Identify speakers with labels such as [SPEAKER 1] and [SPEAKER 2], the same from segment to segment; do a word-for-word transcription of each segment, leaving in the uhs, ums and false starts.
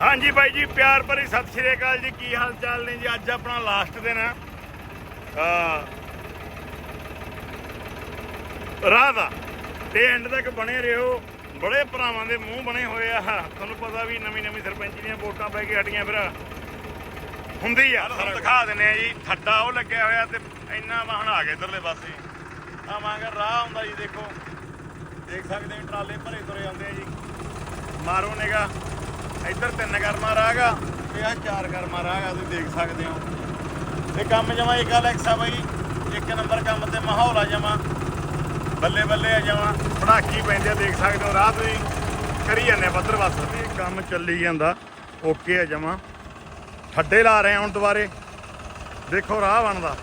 [SPEAKER 1] हाँ जी बाई जी, प्यार भरी सत श्री अकाल जी। की हाल चाल ने जी? अज अपना लास्ट दिन है राह दा ते एंड तक बने रहो। बड़े भरावां दे मूँह बने हुए आ। तुहानूं पता भी नवीं नवीं सरपंच दीयां वोटां पै के हटियां फिर हुंदी आ। तुहानूं दिखा दिंदे आ जी, खड्डा वो लग्या होया ते इन्ना वाहन आ गए इधरले पासे। आ मगर राह आउंदा जी, देखो देख सकते हैं ट्राले भरे तुरे आउंदे आ जी। मारो निगा, इधर तीन करमा राह गा ते आ चार करमा राह गा, तुसीं देख सकते हो। ते काम जमा एक अलैक्स आ बई, एक नंबर काम ते माहौल आ जमा बल्ले बल्ले आ जमा पटाकी पैंदे, देख सकते हो। राह तुसीं करी जाने बद्दर बस, काम चली जांदा ओके आ जमा। खड्डे ला रहे हैं हुण दुबारे, देखो राह बनदा।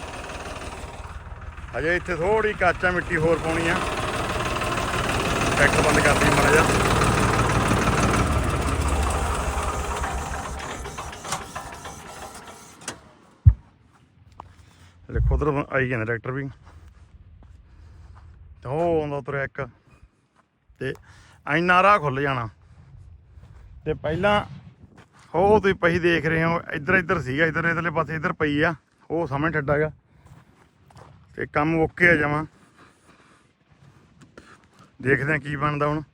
[SPEAKER 1] अजे इत्थे थोड़ी काचा मिट्टी होर पाउणी आ। ट्रैक्टर बंद कर दी माड़ा जा। देखो उधर आई जाने ट्रैक्टर भी, तो ਉਹ ਆਉਂਦਾ ਤੁਰਿਆ ਇੱਕ ਤੇ ਇੰਨਾ ਰਾਹ ਖੁੱਲ ਜਾਣਾ। ਤੇ ਪਹਿਲਾਂ ਉਹ ਤੁਸੀਂ ਪਈ ਦੇਖ ਰਹੇ ਹੋ, ਇੱਧਰ ਇੱਧਰ ਸੀਗਾ, ਇੱਧਰ ਇੱਧਰਲੇ ਪਾਸੇ ਇੱਧਰ ਪਈ ਆ, ਉਹ ਸਾਹਮਣੇ ਠੱਡਾ ਗਾ। ਤੇ ਕੰਮ ਓਕੇ ਆ ਜਾਵਾਂ, ਦੇਖਦੇ ਆ ਕੀ ਬਣਦਾ। ਹੁਣ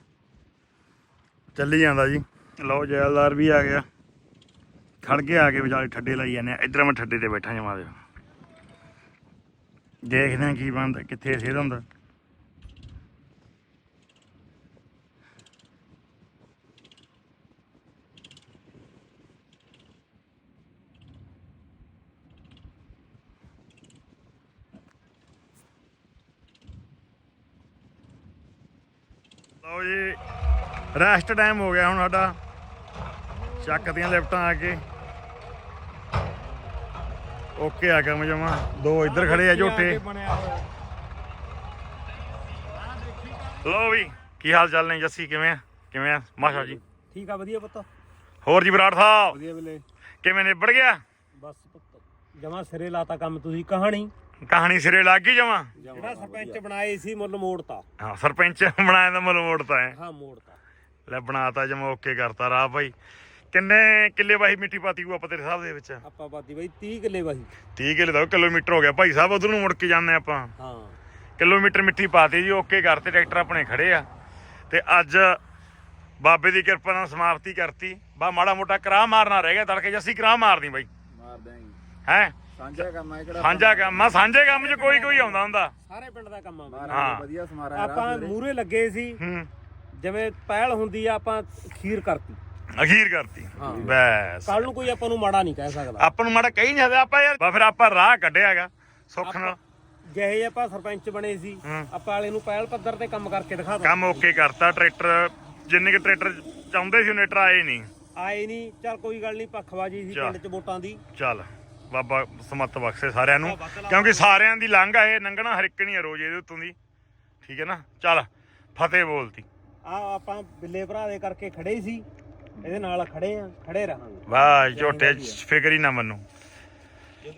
[SPEAKER 1] ਚੱਲੀ ਜਾਂਦਾ ਜੀ। ਲਓ ਜੈਲਦਾਰ ਵੀ ਆ ਗਿਆ, ਖੜ ਕੇ ਆ ਕੇ ਵਿਚਾਲੇ ਠੱਡੇ ਲਾਈ ਜਾਂਦੇ ਆ। ਇੱਧਰ ਮੈਂ ਠੱਡੇ ਤੇ ਬੈਠਾ ਜਮਾ ਦੇ, ਦੇਖਦੇ ਆ ਕੀ ਬਣਦਾ, ਕਿੱਥੇ ਸਿਰ ਹੁੰਦਾ। ਲਓ ਜੀ, ਰੈਸਟ ਟਾਈਮ ਹੋ ਗਿਆ ਹੁਣ ਸਾਡਾ। ਚੱਕਦੀਆਂ ਲਿਫਟਾਂ ਆ ਕੇ ਓਕੇ ਆ ਕੰਮ ਜਮਾ। ਦੋ ਇੱਧਰ ਖੜੇ ਆ ਝੋਟੇ। ਲਓ ਵੀ, ਕੀ ਹਾਲ ਚਾਲ ਨੇ ਜੱਸੀ? ਕਿਵੇਂ ਆ ਕਿਵੇਂ ਆ ਮਾਸ਼ਾ ਜੀ?
[SPEAKER 2] ਠੀਕ ਆ, ਵਧੀਆ ਪੁੱਤ।
[SPEAKER 1] ਹੋਰ ਜੀ ਬਰਾੜ ਸਾਹਿਬ
[SPEAKER 2] ਵਧੀਆ ਵੇਲੇ
[SPEAKER 1] ਕਿਵੇਂ ਨਿਬੜ ਗਿਆ?
[SPEAKER 2] ਬਸ ਪੁੱਤ ਜਮਾ ਸਿਰੇ ਲਾਤਾ ਕੰਮ। ਤੁਸੀਂ ਕਹਾਣੀ
[SPEAKER 1] ਕਹਾਣੀ ਸਿਰੇ ਲੱਗ ਗਈ ਜਮਾ।
[SPEAKER 2] ਜਿਹੜਾ ਸਰਪੰਚ ਬਣਾਏ ਸੀ ਮੁੱਲ ਮੋੜਤਾ।
[SPEAKER 1] ਹਾਂ, ਸਰਪੰਚ ਬਣਾਇਆ ਦਾ ਮੁੱਲ ਮੋੜਤਾ ਹੈ।
[SPEAKER 2] ਹਾਂ ਮੋੜਤਾ,
[SPEAKER 1] ਲੈ ਬਣਾਤਾ ਜਮਾ ਓਕੇ ਕਰਤਾ ਰਾਹ ਭਾਈ। ਕਿੰਨੇ ਕਿੱਲੇ ਵਾਹੀ ਮਿੱਟੀ ਪਾਤੀ ਹੋਊ ਆਪਾਂ ਤੇਰੇ ਹਿਸਾਬ ਦੇ ਵਿੱਚ?
[SPEAKER 2] ਆਪਾਂ ਬਾਦੀ ਬਈ ਤੀਹ ਕਿੱਲੇ ਵਾਹੀ।
[SPEAKER 1] ਤੀਹ ਕਿੱਲੇ ਦਾ ਕਿਲੋਮੀਟਰ ਹੋ ਗਿਆ ਭਾਈ ਸਾਹਿਬ, ਉਧਰ ਨੂੰ ਮੁੜ ਕੇ ਜਾਂਦੇ ਆਪਾਂ।
[SPEAKER 2] ਹਾਂ
[SPEAKER 1] ਕਿਲੋਮੀਟਰ ਮਿੱਟੀ ਪਾਤੀ ਜੀ, ਓਕੇ ਕਰਤੇ। ਟਰੈਕਟਰ ਆਪਣੇ ਖੜੇ ਆ ਤੇ ਅੱਜ ਬਾਬੇ ਦੀ ਕਿਰਪਾ ਨਾਲ ਸਮਾਪਤੀ ਕਰਤੀ। ਬਾ ਮਾੜਾ ਮੋਟਾ ਕਰਾਹ ਮਾਰਨਾ ਰਹਿ ਗਿਆ, ਤੜਕੇ ਜੱਸੀ ਕਰਾਹ ਮਾਰਨੀ ਬਾਈ।
[SPEAKER 2] ਮਾਰ ਦਾਂਗੇ
[SPEAKER 1] ਹੈ
[SPEAKER 2] ਸਾਂਝਾ ਕੰਮ ਹੈ ਕਿਹੜਾ?
[SPEAKER 1] ਸਾਂਝਾ ਕੰਮ ਆ, ਸਾਂਝੇ ਕੰਮ 'ਚ ਕੋਈ ਕੋਈ ਆਉਂਦਾ ਹੁੰਦਾ।
[SPEAKER 2] ਸਾਰੇ ਪਿੰਡ ਦਾ ਕੰਮ ਆ।
[SPEAKER 1] ਹਾਂ
[SPEAKER 2] ਵਧੀਆ ਸਮਾਰਾ ਆਪਾਂ ਮੂਰੇ ਲੱਗੇ ਸੀ,
[SPEAKER 1] ਹੂੰ
[SPEAKER 2] ਜਿਵੇਂ ਪਹਿਲ ਹੁੰਦੀ ਆ ਆਪਾਂ ਖੀਰ ਕਰਤੀ,
[SPEAKER 1] ਅਖੀਰ ਕਰਤੀ ਬਸ।
[SPEAKER 2] ਕੱਲ ਨੂੰ ਕੋਈ ਆਪਾਂ ਨੂੰ ਮਾੜਾ ਨਹੀਂ ਕਹਿ ਸਕਦਾ।
[SPEAKER 1] ਆਪਾਂ ਨੂੰ ਮਾੜਾ ਕਹੀ ਨਹੀਂ ਸਕਦਾ ਆਪਾਂ ਯਾਰ। ਫਿਰ ਆਪਾਂ ਰਾਹ ਕੱਢਿਆਗਾ ਸੁੱਖ ਨਾਲ।
[SPEAKER 2] ਜਿਹੇ ਆਪਾਂ ਸਰਪੰਚ ਬਣੇ ਸੀ, ਆਪਾਂ ਵਾਲੇ ਨੂੰ ਪਹਿਲ ਪੱਧਰ ਤੇ ਕੰਮ ਕਰਕੇ ਦਿਖਾ ਦਿੱਤਾ।
[SPEAKER 1] ਕੰਮ ਓਕੇ ਕਰਤਾ। ਟਰੈਕਟਰ ਜਿੰਨੇ ਕਿ ਟਰੈਕਟਰ ਚਾਹੁੰਦੇ ਸੀ ਉਹਨੇ ਟਰ ਆਏ ਨਹੀਂ
[SPEAKER 2] ਆਏ ਨਹੀਂ। ਚੱਲ ਕੋਈ ਗੱਲ ਨਹੀਂ, ਪੱਖਵਾਜੀ ਸੀ ਪਿੰਡ 'ਚ ਵੋਟਾਂ ਦੀ।
[SPEAKER 1] ਚੱਲ ਬਾਬਾ ਸਮੱਤ ਬਖਸ਼ੇ ਸਾਰਿਆਂ ਨੂੰ, ਕਿਉਂਕਿ ਸਾਰਿਆਂ ਦੀ ਲੰਘ ਆ ਇਹ, ਲੰਘਣਾ ਹਰ ਇੱਕ ਨਹੀਂ ਆ ਰੋਜ਼ ਇਹਦੇ ਉੱਤੋਂ ਦੀ। ਠੀਕ ਹੈ ਨਾ? ਚੱਲ ਫਤਿਹ ਬੋਲਤੀ।
[SPEAKER 2] ਆ ਆਪਾਂ ਬਿੱਲੇ ਭਰਾ ਦੇ ਕਰਕੇ ਖੜੇ ਸੀ, ਇਹਦੇ ਨਾਲ ਖੜੇ ਆ, ਖੜੇ ਰਹਾਂਗੇ।
[SPEAKER 1] ਵਾਹ ਝੋਟੇ ਫਿਕਰ ਹੀ ਨਾ ਮੰਨੂ।